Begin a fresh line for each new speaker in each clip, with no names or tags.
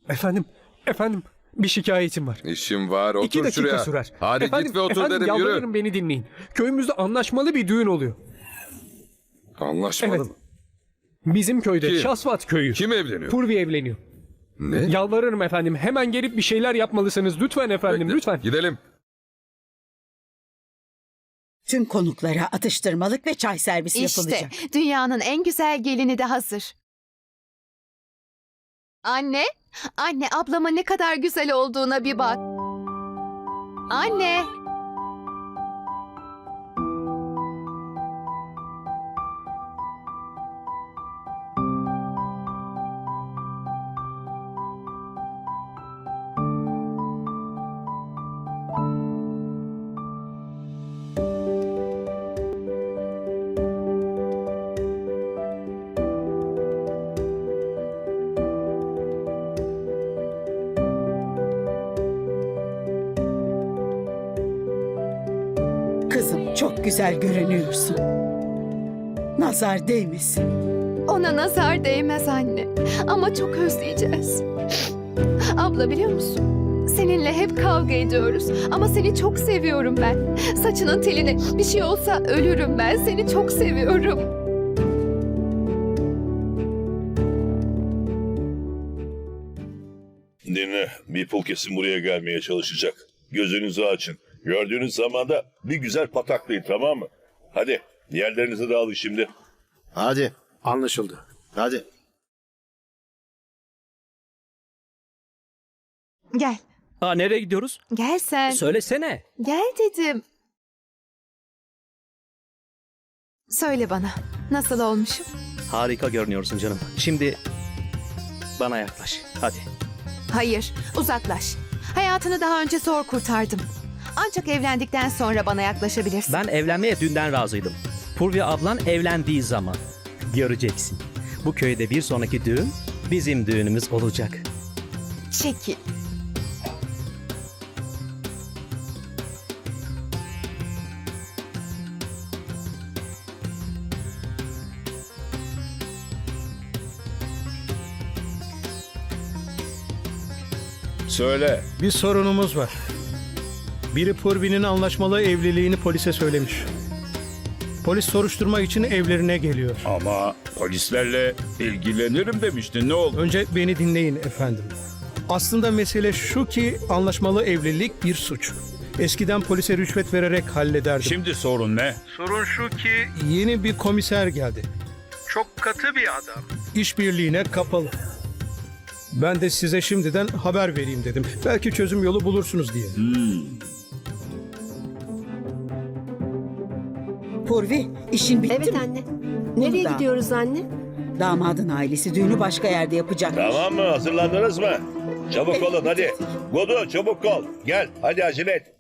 Efendim, bir şikayetim var.
İşim var, otur
2 dakika
şuraya.
sürer.
Hadi git ve otur dedim, yürü.
Yalvarırım beni dinleyin. Köyümüzde anlaşmalı bir düğün oluyor.
Anlaşmalı
Evet.
mı?
Bizim köyde,
Kim?
Şasvat köyü.
Kim evleniyor?
Purvi evleniyor.
Ne?
Yalvarırım efendim, hemen gelip bir şeyler yapmalısınız. Lütfen efendim,
Bekle,
lütfen.
Gidelim.
Tüm konuklara atıştırmalık ve çay servisi
İşte
yapılacak.
dünyanın en güzel gelini de hazır. Anne, anne ablama ne kadar güzel olduğuna bir bak. Anne.
Kızım çok güzel görünüyorsun. Nazar değmesin.
Ona nazar değmez anne. Ama çok özleyeceğiz. Abla biliyor musun? Seninle hep kavga ediyoruz. Ama seni çok seviyorum ben. Saçının teline bir şey olsa ölürüm ben. Seni çok seviyorum.
Dinle, bir pul kesin buraya gelmeye çalışacak. Gözünüzü açın. Gördüğünüz zaman da bir güzel pataklayın, tamam mı? Hadi, yerlerinizi de alın şimdi.
Hadi. Anlaşıldı. Hadi.
Gel.
Nereye gidiyoruz?
Gel sen.
Söylesene.
Gel dedim. Söyle bana. Nasıl olmuşum?
Harika görünüyorsun canım. Şimdi bana yaklaş. Hadi.
Hayır, uzaklaş. Hayatını daha önce zor kurtardım. Ancak evlendikten sonra bana yaklaşabilirsin.
Ben evlenmeye dünden razıydım. Purvi ablan evlendiği zaman. Göreceksin. Bu köyde bir sonraki düğün bizim düğünümüz olacak.
Çekil.
Söyle.
Bir sorunumuz var. Biri Purvi'nin anlaşmalı evliliğini polise söylemiş. Polis soruşturma için evlerine geliyor.
Ama polislerle ilgilenirim demiştin, ne oldu?
Önce beni dinleyin efendim. Aslında mesele şu ki anlaşmalı evlilik bir suç. Eskiden polise rüşvet vererek hallederdim.
Şimdi sorun ne?
Sorun şu ki yeni bir komiser geldi. Çok katı bir adam. İşbirliğine kapalı. Ben de size şimdiden haber vereyim dedim. Belki çözüm yolu bulursunuz diye.
Purvi, işin bitti
Evet
mi?
anne. Nereye
Burada.
gidiyoruz anne?
Damadın ailesi düğünü başka yerde yapacak.
Tamam mı? Hazırlandınız mı? Çabuk olun hadi. Godu çabuk ol. Gel hadi acele et.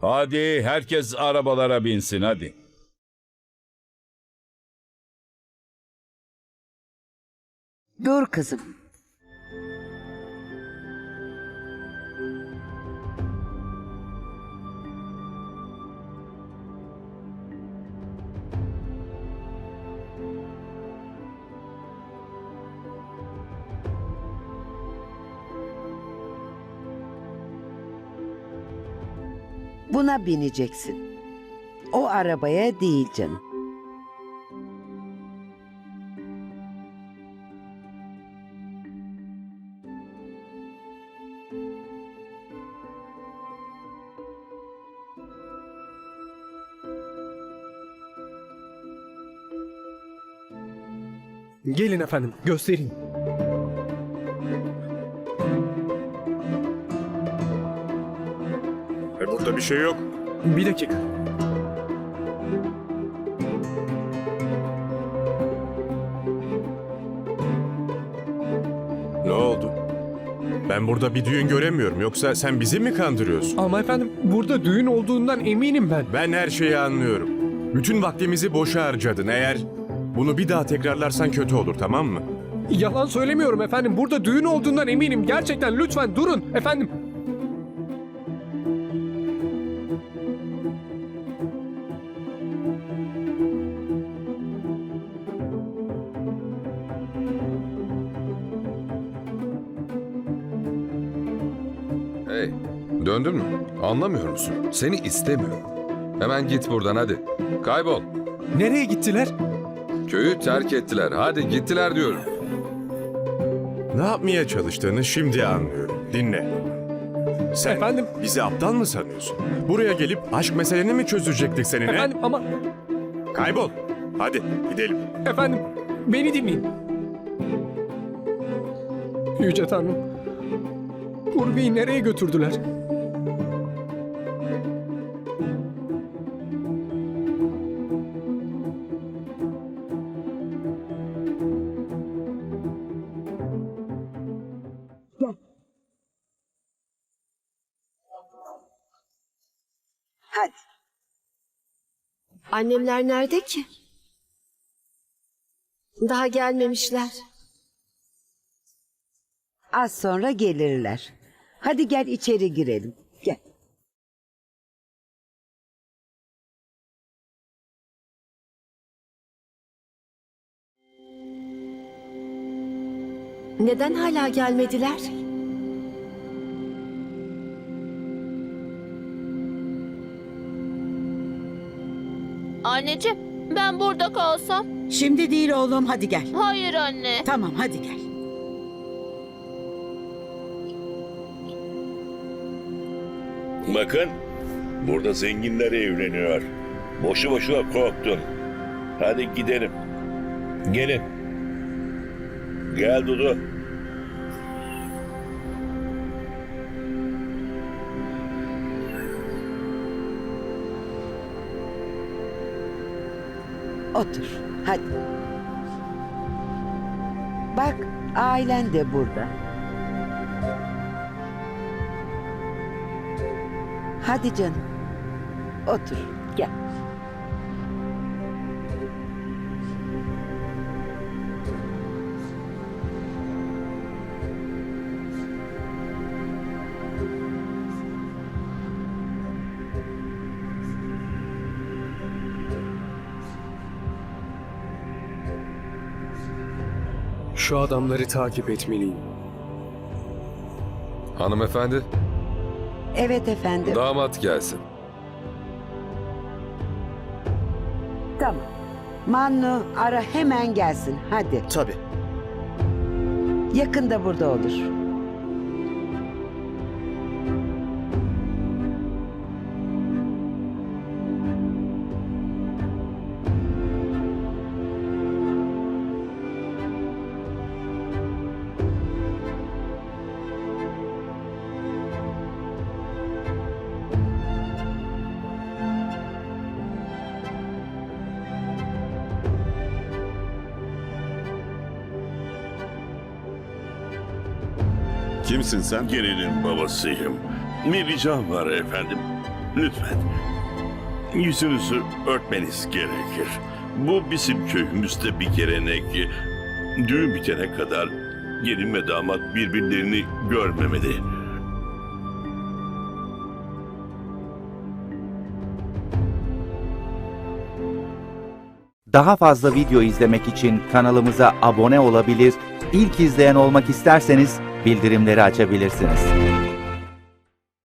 Hadi herkes arabalara binsin hadi.
Dur kızım. Buna bineceksin. O arabaya değil canım.
Gelin efendim, göstereyim.
Burada bir şey yok.
Bir dakika.
Ne oldu? Ben burada bir düğün göremiyorum. Yoksa sen bizi mi kandırıyorsun?
Ama efendim, burada düğün olduğundan eminim ben.
Ben her şeyi anlıyorum. Bütün vaktimizi boşa harcadın. Eğer bunu bir daha tekrarlarsan kötü olur, tamam mı?
Yalan söylemiyorum efendim. Burada düğün olduğundan eminim. Gerçekten lütfen durun efendim.
Hey, döndün mü? Anlamıyor musun? Seni istemiyorum. Hemen git buradan hadi. Kaybol.
Nereye gittiler?
Köyü terk ettiler. Hadi gittiler diyorum.
Ne yapmaya çalıştığını şimdi anlıyorum. Dinle. Sen
Efendim?
bizi aptal mı sanıyorsun? Buraya gelip aşk meseleni mi çözecektik seninle?
Efendim ama...
Kaybol. Hadi gidelim.
Efendim, beni dinleyin. Yüce Tanrım. Purvi'yi nereye götürdüler?
Hadi.
Annemler nerede ki? Daha gelmemişler.
Az sonra gelirler. Hadi gel içeri girelim. Gel.
Neden hala gelmediler?
Anneciğim, ben burada kalsam?
Şimdi değil oğlum, hadi gel.
Hayır anne.
Tamam, hadi gel.
Bakın, burada zenginler evleniyor. Boşu boşuna korktun. Hadi gidelim. Gelin. Gel Dudu.
Otur. Hadi. Bak, ailen de burada. Hadi canım. Otur. Gel.
Şu adamları takip etmeliyim.
Hanımefendi,
Evet efendim.
damat gelsin.
Tamam. Mannu ara hemen gelsin. Hadi.
Tabii.
Yakında burada olur.
Kimsin sen? Gelinin babasıyım. Bir ricam var efendim. lütfen. Yüzünüzü örtmeniz gerekir. Bu bizim köyümüzde bir gelenek. Düğün bitene kadar gelin ve damat birbirlerini görmemeli.
Daha fazla video izlemek için kanalımıza abone olabilir, ilk izleyen olmak isterseniz bildirimleri açabilirsiniz.